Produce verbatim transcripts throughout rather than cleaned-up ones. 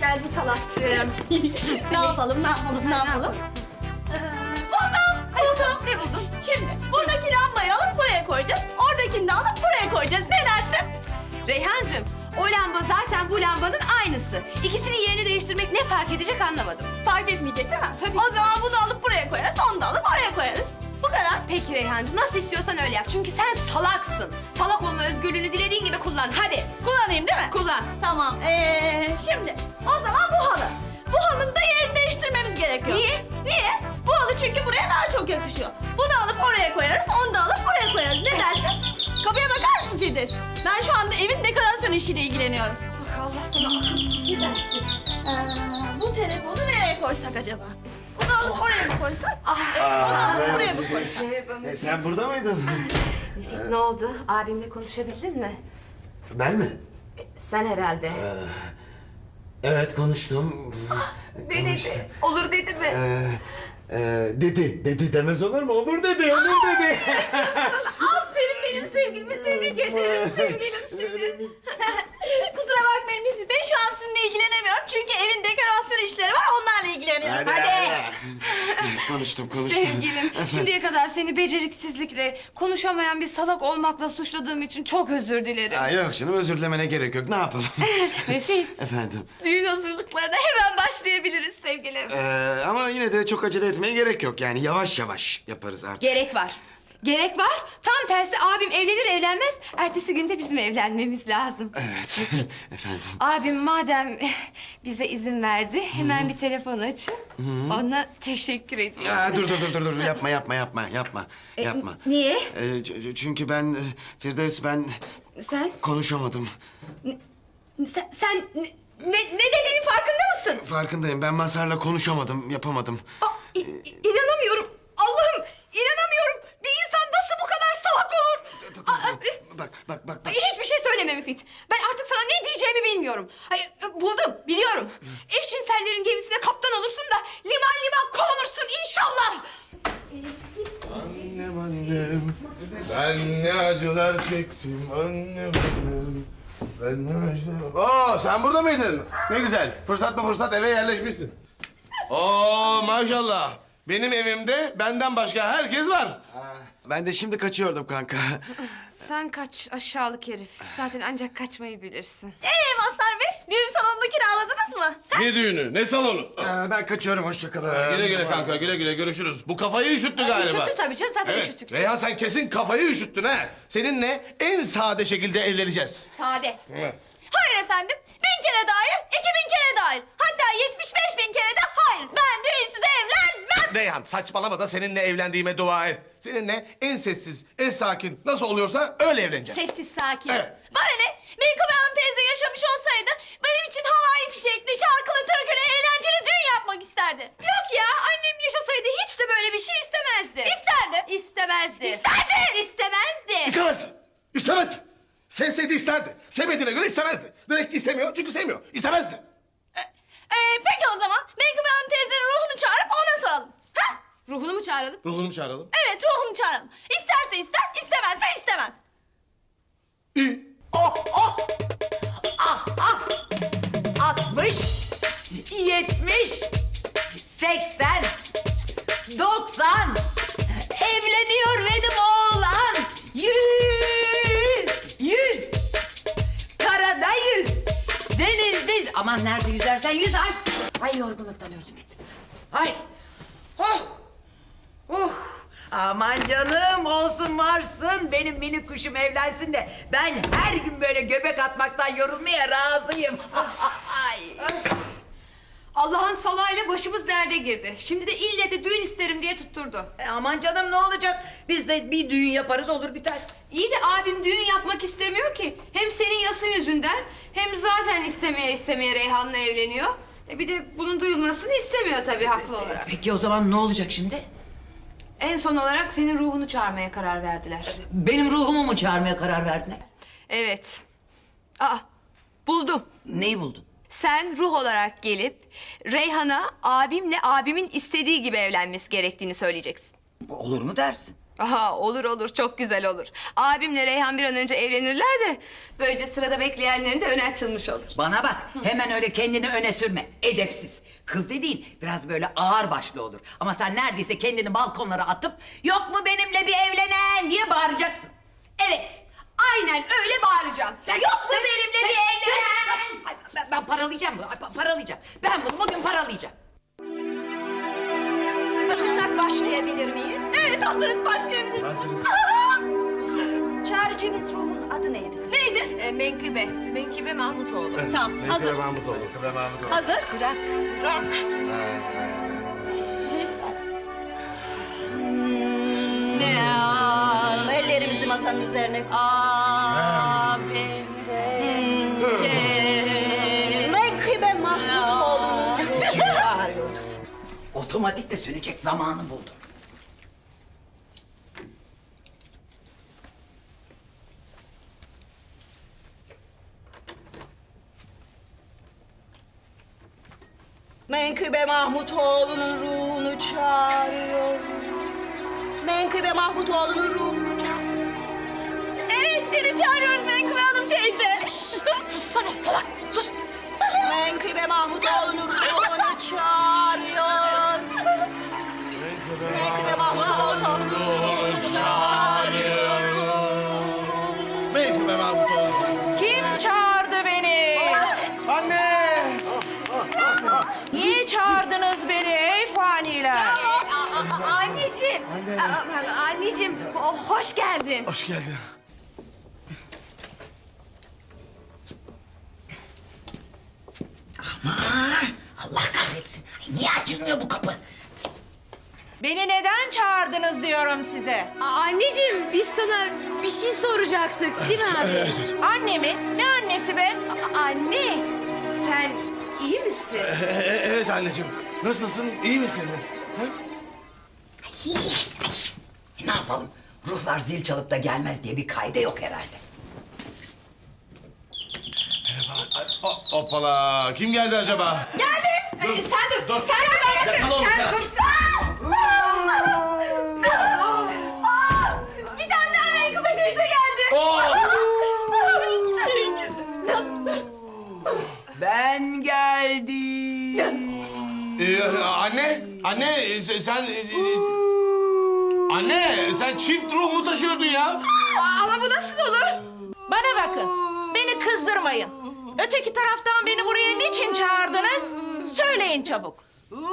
geldin salakçığım. Ne yapalım, ne yapalım, ne yapalım? Ee, buldum, buldum. Ne buldun? Şimdi buradaki lambayı alıp buraya koyacağız. Oradakini de alıp buraya koyacağız. Ne dersin? Reyhancığım, o lamba zaten bu lambanın aynısı. İkisinin yerini değiştirmek ne fark edecek anlamadım. Fark etmeyecek değil mi? Tabii. O zaman bunu alıp buraya koyarız, onu da alıp oraya koyarız. Bu kadar. Peki Reyhancığım, nasıl istiyorsan öyle yap. Çünkü sen salaksın. Salak olma özgürlüğünü dilediğin gibi kullan. Hadi Kullanayım değil mi? kullan. Tamam. Ee, şimdi o zaman bu halı. Bu halının da yerini değiştirmemiz gerekiyor. Niye? Niye? Bu halı çünkü buraya daha çok yakışıyor. Bunu alıp oraya koyarız, onu da alıp buraya koyarız. Ne dersin? Kapıya bakar mısın Firdevs? Ben şu anda evin dekorasyon işiyle ilgileniyorum. Ah Allah sana. Gidersin. Ee, bu telefonu nereye koysak acaba? Bunu alıp oraya mı koysak? Ah. Evet, bunu alıp buraya mı koysak? E, sen burada mıydın? Ne oldu? Abimle konuşabildin mi? Ben mi? Sen herhalde. Evet konuştum. Ne dedi? Olur dedi mi? Ee, e, dedi. Dedi demez olur mu? Olur dedi. Olur dedi. Aferin benim sevgilime, tebrik ederim sevgilim seni. Kusura bakmayın Müfit Bey, şu an sizinle ilgilenemiyorum. Çünkü evin dekorasyon işleri var, onlarla ilgileniyorum. Hadi. konuştum konuştum. Sevgilim, şimdiye kadar seni beceriksizlikle, konuşamayan bir salak olmakla suçladığım için çok özür dilerim. Aa, yok canım özür dilemene gerek yok. Ne yapalım? Müfit, Efendim. düğün hazırlıklarına hemen başlayabiliriz sevgilim. Ee, ama yine de çok acele etmeye gerek yok. Yani yavaş yavaş yaparız artık. Gerek var. Gerek var. Tam tersi abim evlenir evlenmez, ertesi günde bizim evlenmemiz lazım. Evet. Efendim. Abim madem bize izin verdi, hemen bir telefon açın. Ona teşekkür ediyorum. Aa, dur dur dur dur dur yapma yapma yapma yapma yapma. Niye? Ee, ç- çünkü ben e, Firdevs ben Sen, konuşamadım. sen, sen ne, ne, ne dediğinin farkında mısın? Farkındayım. Ben Mazhar'la konuşamadım, yapamadım. Aa, i- i- inanamıyorum. Allah'ım, inanamıyorum. Bir insan nasıl bu kadar salak olur? Aa, Bak bak bak bak. hiçbir şey söyleme Müfit. Ben artık sana ne diyeceğimi bilmiyorum. Hayır, buldum, biliyorum. Eşcinsellerin gemisine kaptan olursun da liman liman kovulursun inşallah. Annem annem, ben ne acılar çektim annem annem. Ben ne acılar... Oo, sen burada mıydın? Ne güzel. Fırsat mı fırsat eve yerleşmişsin. Oo maşallah. Benim evimde benden başka herkes var. Ben de şimdi kaçıyordum kanka. Sen kaç aşağılık herif. Zaten ancak kaçmayı bilirsin. Ee Mazhar Bey, düğün salonunu kiraladınız mı? Ne düğünü, ne salonu? Ee, ben kaçıyorum, hoşça kalın. Güle güle kanka, güle güle görüşürüz. Bu kafayı üşüttü galiba. Üşüttü tabii canım, zaten Evet. üşüttük. Reyhan sen kesin kafayı üşüttün ha. Seninle en sade şekilde evleneceğiz. Sade. Evet. Hayır efendim, bin kere de hayır, iki bin kere de hayır. Hatta yetmiş beş bin kere de hayır. Ben düğünsüz evlenmem. Reyhan saçmalama da seninle evlendiğime dua et. Seninle en sessiz, en sakin nasıl oluyorsa öyle evleneceğiz. Sessiz sakin. Evet. Bana ne? Menkıbe Hanım teyze yaşamış olsaydı benim için halay fişekli, şarkılı, türkülü, eğlenceli düğün yapmak isterdi. Yok ya, annem yaşasaydı hiç de böyle bir şey istemezdi. İsterdi. İstemezdi. İsterdi. İstemezdi. İstemez. İstemez. Sevseydi isterdi. Sevmediğine göre istemezdi. Demek ki istemiyor çünkü sevmiyor. İstemezdi. Ee, peki o zaman Menkıbe Hanım teyzenin ruhunu çağırıp ona soralım. Ha? Ruhunu mu çağıralım? Ruhunu mu çağıralım? Evet, ruhunu çağıralım. İsterse ister, istemezse istemez. İyi. altmış, yetmiş, seksen, doksan. Evleniyor benim oğlan. Yüz, yüz. Karada yüz. Denizde yüz. Aman nerede yüzersen yüz. Ay, ay yorgunluktan öldüm gittim. Ay. Oh. Oh. Aman canım olsun varsın. Benim mini kuşum evlensin de ben her gün böyle göbek atmaktan yorulmaya razıyım. Ay. Allah'ın salayla başımız derde girdi. Şimdi de ille de düğün isterim diye tutturdu. E, aman canım ne olacak? Biz de bir düğün yaparız olur biter. İyi de abim düğün yapmak istemiyor ki. Hem senin yasın yüzünden hem zaten istemeye istemeye Reyhan'la evleniyor. E bir de bunun duyulmasını istemiyor tabii haklı olarak. Peki o zaman ne olacak şimdi? En son olarak senin ruhunu çağırmaya karar verdiler. Benim ruhumu mu çağırmaya karar verdiler? Evet. Aa, buldum. Neyi buldun? Sen ruh olarak gelip Reyhan'a abimle abimin istediği gibi evlenmesi gerektiğini söyleyeceksin. Olur mu dersin? Aha olur olur çok güzel olur. Abimle Reyhan bir an önce evlenirler de böylece sırada bekleyenlerin de önü açılmış olur. Bana bak, hemen öyle kendini öne sürme. Edepsiz. Kız dediğin biraz böyle ağır başlı olur. Ama sen neredeyse kendini balkonlara atıp yok mu benimle bir evlenen diye bağıracaksın. Evet aynen öyle bağıracağım. Yok mu benimle bir evlenen? Ay, Ben, ben paralayacağım bunu, ay, pa- paralayacağım. Ben bunu bugün paralayacağım. Hazırsak başlayabilir miyiz? Evet hazırız başlayabiliriz. Çağrıcımız ruhun adı neydi? Neydi? E, Menkıbe. Menkıbe Mahmutoğlu. Tamam hazır. Mahmutoğlu. Kıbe Mahmutoğlu. Hazır. Bırak. Ne al? Ellerimizi masanın üzerine koy. Amin. Menkıbe Mahmutoğlu'nun ruhunu çağırıyoruz. Otomatik de sönecek zamanı buldu. Menkıbe Mahmutoğlu'nun ruhunu çağırıyoruz. Menkıbe Mahmutoğlu'nun ruhunu çağırıyoruz. Evet seni çağırıyoruz Menkıbe Hanım teyze. Sussana salak, sus! Menkıbe Mahmutoğlu'nun ruhunu çağırıyor. Menkıbe Mahmutoğlu'nun ruhunu çağırıyor. Menkıbe Mahmutoğlu. Kim çağırdı beni? Anne! Niye çağırdınız beni ey faniler? A- a- anneciğim. A- a- anneciğim ho- hoş geldin. Hoş geldin. Allah kahretsin. Ay, niye açılmıyor bu kapı? Beni neden çağırdınız diyorum size. A- anneciğim biz sana bir şey soracaktık değil mi abi? Annemi? Ne annesi be? A- anne sen iyi misin? E- evet anneciğim. Nasılsın? İyi misin? Ha? E, ne yapalım? Ruhlar zil çalıp da gelmez diye bir kaide yok herhalde. Merhaba. Hop- Hoppala. Kim geldi acaba? Ee, sen de sen de bana Yakala oğlum sen sen. dur. Bir tane daha Menkıbe teyze geldi. Ben geldim. Ee, anne, anne e, sen... e, e, anne, sen çift ruh mu taşıyordun ya? Ama bu nasıl olur? Bana bakın. Beni kızdırmayın. Öteki taraftan beni buraya niçin çağırdınız? Söyleyin çabuk.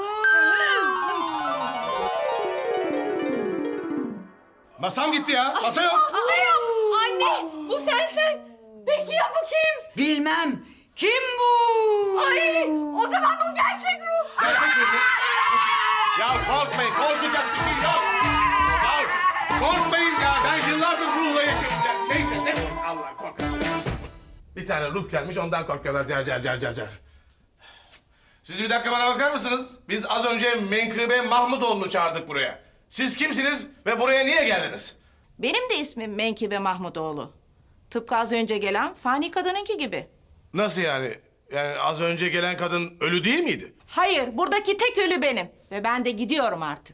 Masam gitti ya, masa yok. Aa, anne bu sensin. Peki ya bu kim? Bilmem. Kim bu? Ay o zaman bu gerçek ruh. Gerçek ruh mu? Ya korkmayın, korkacak bir şey yok. Ya korkmayın ya, ben yıllardır ruhla yaşıyorum. Ya, neyse, ne Allah korkmayın. Bir tane ruh gelmiş, ondan korkuyorlar. Car car car car car. Siz bir dakika bana bakar mısınız? Biz az önce Menkıbe Mahmutoğlu'nu çağırdık buraya. Siz kimsiniz ve buraya niye geldiniz? Benim de ismim Menkıbe Mahmutoğlu. Tıpkı az önce gelen fani kadınınki gibi. Nasıl yani? Yani az önce gelen kadın ölü değil miydi? Hayır, buradaki tek ölü benim. Ve ben de gidiyorum artık.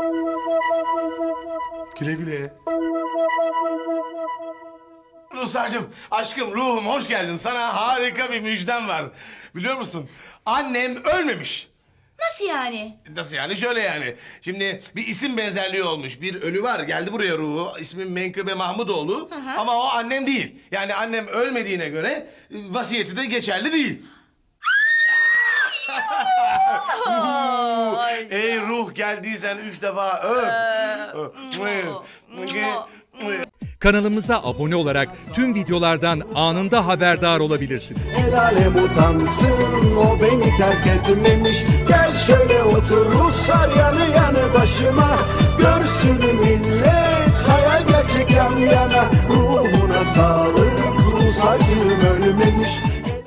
Güle güle. Ruhsarcığım, aşkım, ruhum hoş geldin. Sana harika bir müjdem var. Biliyor musun? Annem ölmemiş. Nasıl yani? Nasıl yani? Şöyle yani. Şimdi bir isim benzerliği olmuş. Bir ölü var. Geldi buraya ruhu. İsmi Menkıbe Mahmutoğlu. Ama o annem değil. Yani annem ölmediğine göre e, vasiyeti de geçerli değil. Ey ruh geldiysen üç defa öp. Kanalımıza abone olarak tüm videolardan anında haberdar olabilirsiniz. El alem utansın, o beni terk etmemiş. Gel şöyle otur Ruslar yanı yanı başıma. Görsün millet hayal gerçek yan yana.